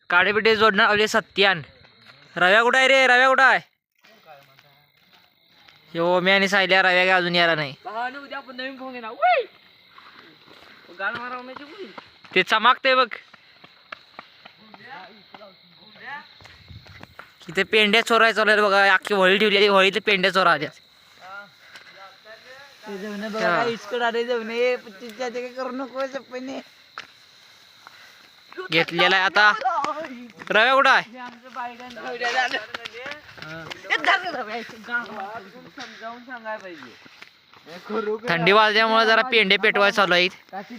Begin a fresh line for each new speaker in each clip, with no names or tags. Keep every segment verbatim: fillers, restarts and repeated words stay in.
काडेपिटे जोडणार आपले सत्यान. रव्या कुठं आहे रे? रव्या कुठं आहे? हो मी आणि सायल्या रव्या काय अजून यायला नाही.
उद्या आपण नवीन फोन घेणार. गाण मारवण्याची
ते चमाकते बघ. इथे पेंड्या चोराय चालू आहेत बघा. अख्खी होळी ठेवली होळीतले पेंड्या चोरा आल्या.
करू नको
घेतलेला आहे आता. रव्या कुठं आहे?
समजावून सांगायला पाहिजे.
थंडी वाजल्यामुळे जरा पेंडे पेटवाय चालू आहेत.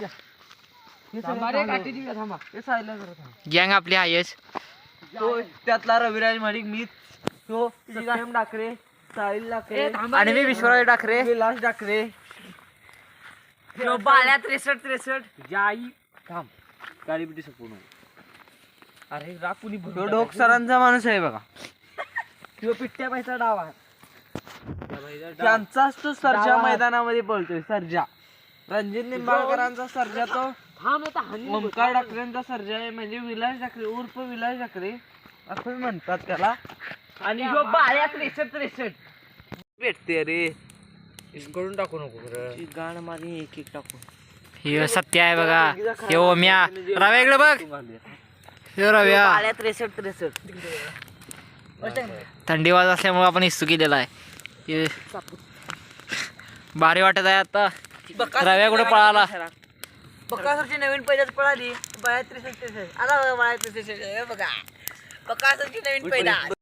गँग आपली आहेच.
तो त्यातला रविराज माडिक मी तो सत्यम डाकरे साहिल डाकरे
आणि मी विश्वराज डाकरे
विलास डाकरे
बाळ्या त्रेसष्ट त्रेसष्ट
जाई थांब गाडी बिटी संपूर्ण. अरे राकुनी तो डोक सरांचा माणूस आहे बघा. तो पिट्ट्या पैसा डावा त्यांचाच तो सर्जा मैदानामध्ये पळतोय. सर्जा रणजित निंबाळकरांचा सर्जा तो ओमकार डाकरेंचा सर्जा आहे. म्हणजे विलास डाकरे उर्फ विलास डाकरे असं म्हणतात त्याला.
आणि जो बाळ्या त्रेसष्ट त्रेसष्ट
भेटते रे. करून टाकू नको गाण मारी एक एक टाकू.
हे सत्य आहे बघा. हे ओम्या रव्या इकडे बघ. हे रव्या
बाळ्या त्रेसष्ट त्रेसष्ट
थंडी वाज असल्यामुळे आपण इस्तू केलेला आहे. हे भारी वाटत आहे आता. रव्या कुठे पळाला?
बकासूरची नवीन पैदाच पळाली. बाळ्या त्रेसष्ट त्रेसष्ट आला बाळ्या त्रेसष्ट बघा. बकासूरची नवीन पैदा.